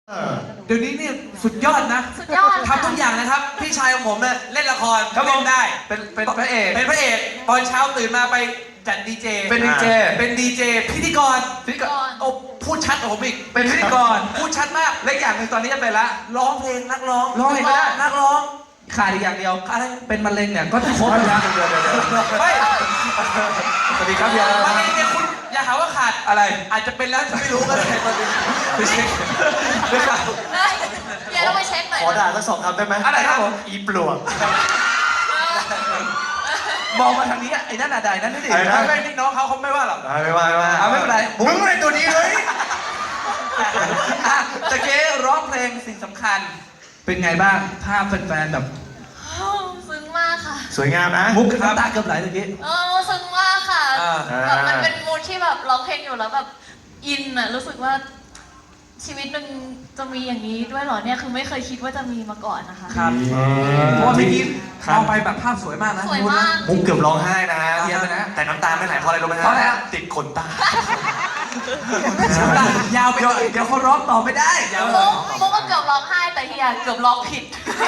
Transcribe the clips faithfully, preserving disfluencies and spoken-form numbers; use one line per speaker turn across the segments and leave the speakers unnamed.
เดี๋ยวนี้เนี่ยสุดยอดนะ
สุดยอดค่ะ
ทำทุกอย่างนะครับพี่ชายของผมเนี่ยเล่นละคร
ครับผม
เล่นได้
เป็นเป็นพระเอก
เป็นพระเอกตอนเช้าตื่นมาไปจัดดีเจ
เป็นดีเจ
เป็นดีเจพิธีกร
พิธีกร
โอ้พูดชัดกว่าผมอีก
เป็นพิธีกร
พูดชัดมาก
และอย่างหนึ่งตอนนี้จะเป็นละ
ร้องเพลงนักร้อง
ร้องเพลงก็ได้
นักร้อง
ขาดอีกอย่างเดียว
อะไร
เป็นมะเร็งเนี่ยก็จะครบแล้ว
เดี๋ยวเดี๋ยวเดี๋ยว
ไม่
สวัสดีครับยา
มาเองเนี่ยคุณอย่าหาว่าขาด
อะไร
อาจจะเป็นแล้วไม่รู้ก็ได้ตอนนี้ไปเช็คไม่ข่าว
เฮ้ยอย่าต้องไปเช็คหน่อย
ขอ
นะ
ด่าสักสองคำได้ไหม
อะไรครับผม
อีปลวก
มองมาทางนี้ไอ้นั่นอะไรนั่นนี่ดิ
อะไรนะ
ไม่ไม่นี่น้องเขาเขาไม่ว่าหรอก
อ่ะไม่ว่าไม่ว่า
อ่ะไม่เป็นไร
มึงอะไรตัวนี้เลย
อ่ะตะเกียร้องเพลงสิ่งสำคัญ เป็นไงบ้างภาพแฟนๆแบบ
อ้าวซึ้งมากค่ะ
สวยงามนะ
มุกน้ำตาเกือบไหลตะกี้
เออซึ้งมากค่ะ
อ่า
แบบมันเป็นมูดที่แบบร้องเพลงอยู่แล้วแบบอินอะรู้สึกว่าชีวิตหนึ่งจะมีอย่างนี้ด้วยเหรอเนี่ยคือไม่เคยคิดว่าจะมีมาก่อนนะคะ
ครับ
อืม
เพราะว่าเมื่อกี้มองไปแบบภาพสวยมากนะ
สวยมาก
มุกเกือบร้องไห้นะ
เทียบไปนะ
แต่น้ำตาไม่ไหลเพราะอะไรรู้ไหมฮะ
เพราะอะไรฮะ
ติดขนตา
ยาวไป
เดี๋ยวเดี๋ยวเขาร้องต่อไม่ได้
มุกมุกก็เกือบร้องไห้แต่เฮียเกือบร้องผิด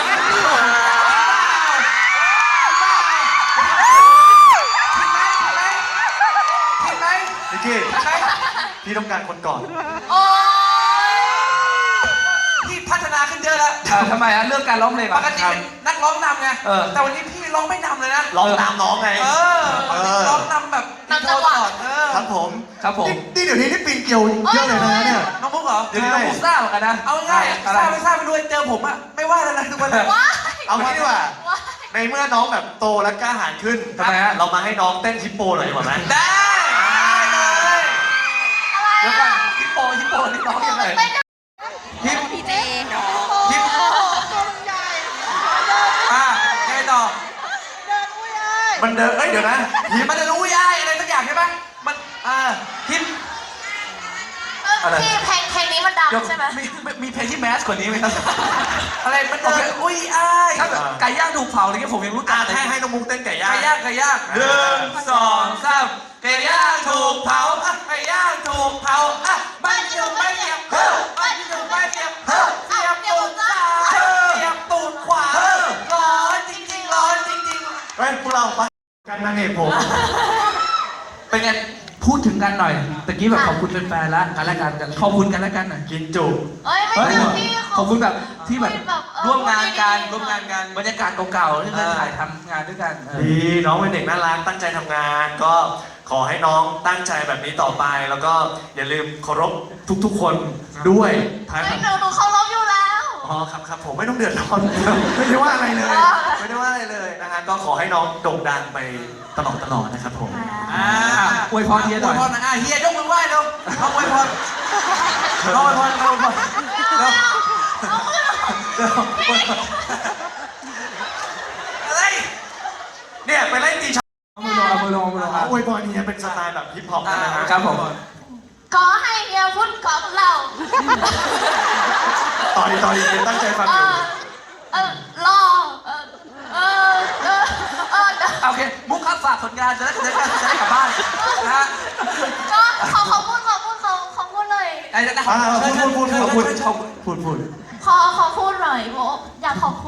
เห็นไหม
นิกกี้พี่ต้องการคนก่อน
โอ๊ย
พี่พัฒนาขึ้นเยอะแล้ว
อ่าทำไมอ่ะเรื่องการร้องเพลง
ปกติเป็นนักร้องนำไง
เออ
แต่วันนี้พี่ร้องไม่นำเลยนะ
ร้องตามน้องไง
เออวันนี้ร้องนำแบบ
นำจังหวะ
เออ
ครับผม
ครับผม
นี่นี่เดี๋ยวนี้นี่ปีนเกลียวเยอะเลยนะเนี่ย
น้องมุกเหรอ
เดี๋ยวนี้เราพูดซ่าเหมือนกันนะ
เอาง่ายๆ
อะไร
ทราบไม่ทราบไปด้วยเจอผมอะไม่ว่าแล้วนะทุกวันนี้
ว้าย
เอางี้ดีกว่า
ว้าย
ในเมื่อน้องแบบโตและกล้าหาญขึ้น
ทำไมฮะ
เรามาให้น้องเต้นฮิปโปหน่อยดีกว่าไหม
ได้ได้เลย
อะไร
เดี๋ยวก่อน
อะ
ฮิปโปฮิปโปนี่ร้องยังไง
เต้นกัน
ฮิป
พี่เจ
ฮิปอ่ะยังไงต่อ
มันเดินเอ้ยเดี๋ยวนะ
ฮิปมันจะรู้ยายอะไรสักอย่างใช่ไหมมันอ่าฮิป
เออพี่เพลงเพลงนี้มันดัง
เดี๋ยว
ใช่ไหม
มีมีมีเพลงที่แมสกว่านี้ไหมครับ
อะไรมันเดิ
โอเคน
อุ้ยอ้าย
ถ้าแบบไก่ย่างถูกเผาอะไรเงี้ยผมยังรู้จั
อ่ะ
กเลย
ให้ให้น้องมุกเต้นไก่ย่าง
ไก่ย่างไก่ย่างหนึ่งสองสามไก่ย่างถูกเผาอ่ะไก่ย่างถูกเผาอ่ะไม่อยู่ไม่เสียบเฮ้อไม่อยู่ไม่เสียบเฮ้อเสียบตูดซ้ายเสียบตูดขวาร้อนจริงๆร้อนจริงๆ
เฮ้ยพวกเราไปกันนางเอกผม
เป็นไงพูดถึงกันหน่อยตะกี้แบบขอบคุณแฟนๆแล้วกันและกันขอบคุณกันและกันหน่อย
กินจุ
เอ้ยไม่
เฮ้ย
เจอพี่
ขอบคุณแบบที่แบบ
เออ
ร่วมงานกัน
ดีๆ
ร่วมงานกันบรรยากาศเก่าๆที่เคยถ่ายทำงานด้วยกันเออ
ดีน้องเป็นเด็กน่ารักตั้งใจทำงาน ก็ขอให้น้องตั้งใจแบบนี้ต่อไป แล้วก็อย่าลืมเคารพทุกๆคนด้วยท้าย
เฮ้ยหนูหนูเคารพอยู่แล้ว
อ๋อครับครับผมไม่ต้องเดือดร้อนไม่ได้ว่าอะไรเลย
อ๋อ
ไม่ได้ว่าอะไรเลยนะฮะก็ขอให้น้องโด่งดังไปตลอดตลอดนะครับผม
อ่า
อวยพรเฮียหน่อย
อวยพรนะอ่ะเฮียยกมือไหว้เร็วเอาอวยพรเอาอวยพรเอาอวยพรเร็วอะไร
เนี่ยไปไล่ตีชาว
เอามือลงเอามือลงเอามือลงครับ
อวยพรเนี่ยเป็นสไตล์แบบฮิปฮอปนะฮะ
ครับผม
ขอให้เฮียพุ่นของเรา
ต่อดีต่อดีตั้งใจฟัง
เอ
อยู่
อเออรอเออเออเออเออ
โอเคมุกครับฝากผลงานจะได้จะได้จะได้กลับบ้านนะฮะ
ก็ขอขอพูดขอพูดขอขอพูดเลย
ไอ้จะได้
อ่าพูดพูดพูดพูด
พูดพูดพูด
ขอขอพูดหน่อยโบอยากขอบคุณ